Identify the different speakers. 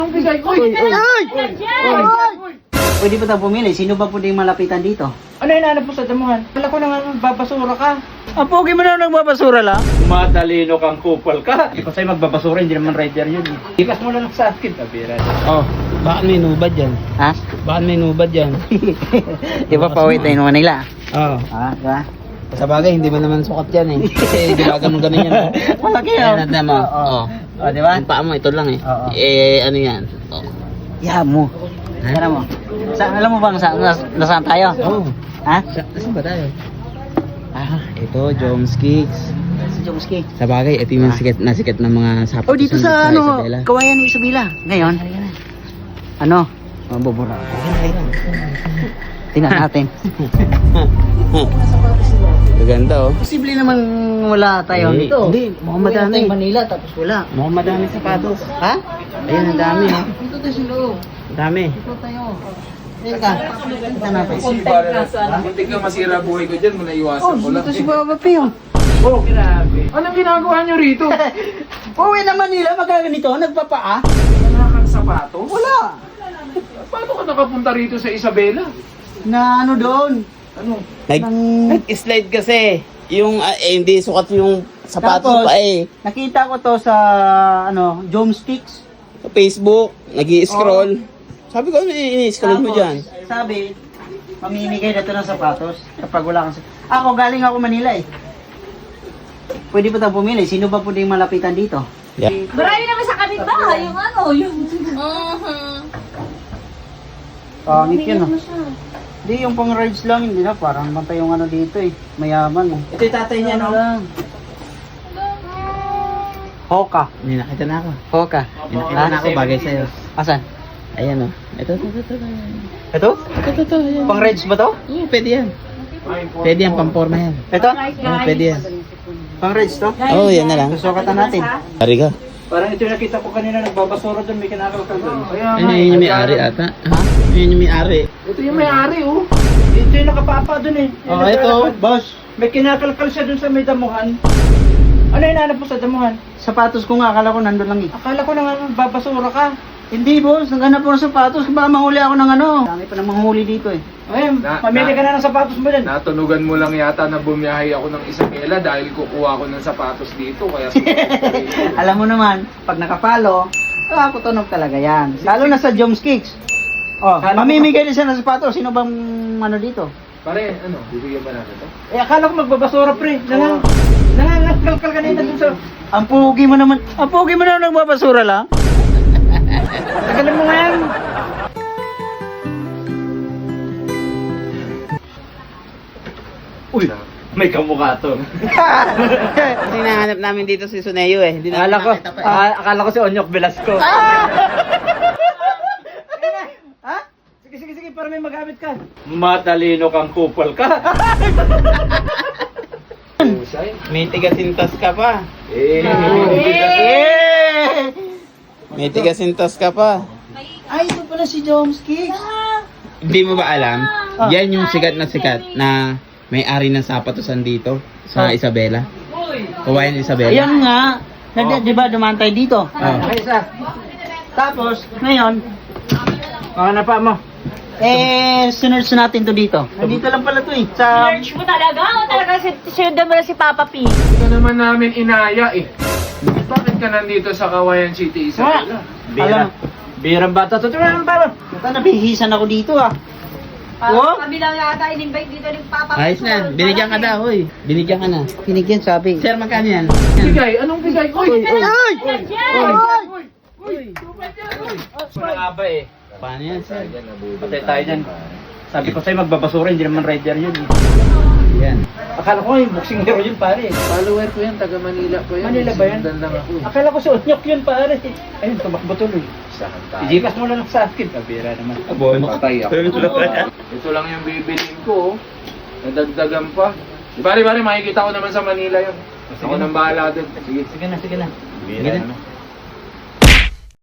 Speaker 1: Ang bigay ko. Uy!
Speaker 2: Pwede pa tayo pumili. Sino ba pwedeng malapitan dito?
Speaker 1: Ano hinahanap mo sa damuhan? Kala ko na nga magbabasura ka.
Speaker 2: Pogi mo na nagbabasura lang.
Speaker 1: Matalino kang kupal ka. Hindi ko sa'yo magbabasura, hindi naman rider yun. Ikas mo lang sa akin. Tabira.
Speaker 3: Oh, bakit may nubad yan?
Speaker 2: Ha?
Speaker 3: Bakit may nubad yan?
Speaker 2: Di ba pauwi tayo ng Manila?
Speaker 3: Oo.
Speaker 2: Ah, diba?
Speaker 3: Sa bagay, hindi mo naman sukat yan eh. Kasi dibagan mo ganun yan.
Speaker 2: Malaki
Speaker 3: Ayan,
Speaker 2: yun.
Speaker 3: natin mo. Oo.
Speaker 2: O, diba?
Speaker 3: Yung paa mo, ito lang eh.
Speaker 2: Oo.
Speaker 3: Ano yan? Oh.
Speaker 2: Yeah mo. Tara mo. Alam mo bang nasaan tayo?
Speaker 3: Oh.
Speaker 2: Ha?
Speaker 3: Saan ba tayo? Ito, Joms Kicks.
Speaker 2: Sa Jomski.
Speaker 3: Sa bagay, ito yung nasikat ng mga sapatos.
Speaker 2: Oh, dito sa
Speaker 3: Isabela.
Speaker 2: Kawayan ni Isabela. Ngayon, ano? Mabubura. Tingnan natin.
Speaker 3: Gaganda oh.
Speaker 2: Posible naman wala tayo
Speaker 3: Hindi,
Speaker 2: dito.
Speaker 3: hindi, mukhang madami.
Speaker 2: Uwi na tayo Manila tapos wala.
Speaker 3: Mukhang madami sapatos.
Speaker 2: Ha?
Speaker 3: Ayan, ang dami oh.
Speaker 2: Dito tayo sa loob.
Speaker 3: Ang dami.
Speaker 2: Dito tayo. Teka, kita natin.
Speaker 4: Muntik kang masira buhay ko dyan, muna iwasan ko lang.
Speaker 2: Dito si Baba Pio.
Speaker 4: Oh, grabe. Anong ginagawa nyo rito?
Speaker 2: Uwi na Manila, magaganito, nagpapaa.
Speaker 4: Wala kang sapatos?
Speaker 2: Wala.
Speaker 4: Paano ka nakapunta rito sa Isabela?
Speaker 2: Na ano doon?
Speaker 4: Ano?
Speaker 3: Nag-slide kasi. Yung, hindi sukat yung sapatos
Speaker 2: Tapos,
Speaker 3: pa eh.
Speaker 2: Nakita ko to sa Jomsticks.
Speaker 3: Sa Facebook, nag-i-scroll. Sabi ko, ano i-scroll mo dyan?
Speaker 2: Sabi, mamimigay na to ng sapatos kapag wala kang Ako, galing ako Manila eh. Pwede pa tayo pumili. Sino ba pwedeng malapitan dito?
Speaker 3: Yeah.
Speaker 5: Marami naman sa kapitbahay, yung ano, yung...
Speaker 2: Pangit yun oh. Hindi, yung pang rides lang, hindi na. Parang naman pa yung ano dito eh. Mayaman eh.
Speaker 1: Ito yung tatay niya, no?
Speaker 2: Hoka.
Speaker 3: May nakita na ako.
Speaker 2: Hoka.
Speaker 3: May nakita na ako bagay sa'yo.
Speaker 2: Asan?
Speaker 3: Ayan oh. Ito.
Speaker 2: Ito?
Speaker 3: Ito, ayan.
Speaker 2: Pang rides ba to?
Speaker 3: Oo, pwede yan. Pwede yan, pamporma yan.
Speaker 2: Ito?
Speaker 3: Oo, pwede yan.
Speaker 2: Pang rides to?
Speaker 3: Oo, yan na lang.
Speaker 2: Susukatan natin.
Speaker 3: Hari ka.
Speaker 1: Parang ito yung nakita ko kanina, nagbabasura doon, may kinakalkal doon. Kaya
Speaker 3: Ano yun yung may-ari ata? Ha? Yun yung may-ari.
Speaker 4: Ito yung may-ari, oh.
Speaker 1: Ito yung nakapapa doon eh. Yung
Speaker 3: Oh, ito.
Speaker 1: naglalakad.
Speaker 2: Boss,
Speaker 1: May kinakalkal siya doon sa may damuhan. Ano hinahanap mo sa damuhan?
Speaker 2: sapatos ko nga. Akala ko nandun lang eh.
Speaker 1: Akala ko na nga magbabasura ka.
Speaker 2: Hindi boss, naghanap ko ng sapatos. Baka manghuli ako ng ano. Dami pa namang manghuli dito eh.
Speaker 1: Ayun, mamili ka na ng sapatos mo din.
Speaker 4: Natunugan mo lang yata na bumiyahe ako ng Isabela dahil kukuha ko ng sapatos dito. Kaya
Speaker 2: Alam mo naman, pag nakapalo, tunog talaga yan. Lalo na sa Joms Kicks. Oh, mamimigay din siya ng sapatos. Sino bang ano dito?
Speaker 4: Pare, ano, bibigyan ba natin ito?
Speaker 1: Eh, akala ko magbabasura, pre. Nangangalkal ka na doon sa...
Speaker 2: Ang pugi mo naman nagbabasura lang.
Speaker 1: Tagalin mo nga yan. Uy, may kamukha to.
Speaker 3: Kasi nahanap namin dito si Suneo eh. Hindi namin nakita pa eh.
Speaker 1: Akala ko si Onyok Velasco.
Speaker 2: Ha?
Speaker 1: Sige, para may magamit ka. Matalino kang kupal ka.
Speaker 3: May tigasintas ka pa.
Speaker 4: Eh,
Speaker 3: May tigasintas ka pa.
Speaker 2: Ay, ito pala si Joms Kicks.
Speaker 3: Hindi mo ba alam? Yan yung sikat na may-ari ng sapatosan dito sa Isabela. Kawayan Isabela.
Speaker 2: Ayan nga. Di ba dumaan tayo dito?
Speaker 1: Okay, isa.
Speaker 2: Tapos, ngayon,
Speaker 1: Mga pa mo.
Speaker 2: sinerge natin to dito. Nandito lang pala to eh. Sa...
Speaker 5: Search mo talaga? O talaga sinundan mo na si Papa P?
Speaker 4: Ito naman namin inaya eh. Bakit ka nandito sa Kawayan City, Isabela?
Speaker 2: Alam,
Speaker 1: Birang bata to. Tumulong pa mo.
Speaker 2: nabihisan ako dito ah.
Speaker 5: Parang kami lang yata in-invite dito ni Papa P.
Speaker 3: Ayos na. Binigyan ka daw, hoy. Binigyan ka na.
Speaker 2: Pinigyan sabi.
Speaker 3: Sir, magkano yan?
Speaker 4: Bigay? Anong bigay? Uy!
Speaker 2: Ay!
Speaker 1: Wala nga ba eh.
Speaker 3: Paano yan, sir?
Speaker 1: Patay tayo dyan. Sabi ko sa'yo magbabasura, hindi naman rider yun.
Speaker 3: Yan.
Speaker 1: Akala ko yung boxing hero yun pare.
Speaker 4: Follower ko yan, taga Manila ko yan.
Speaker 1: Manila ba yan?
Speaker 4: Sinundan lang ako.
Speaker 1: Akala ko si Onyok yun pare. Ayun, tumakbo tuloy.
Speaker 4: Isahan tayo.
Speaker 1: Ijikas mo lang sa akin. Kabira naman.
Speaker 4: Patay ako. Ito lang yung bibilin ko. Oh. Nadagdagan pa. Di bari, makikita ko naman sa Manila yun. Ako nang bahala dun. Sige.
Speaker 1: Sige na.
Speaker 3: Sige na.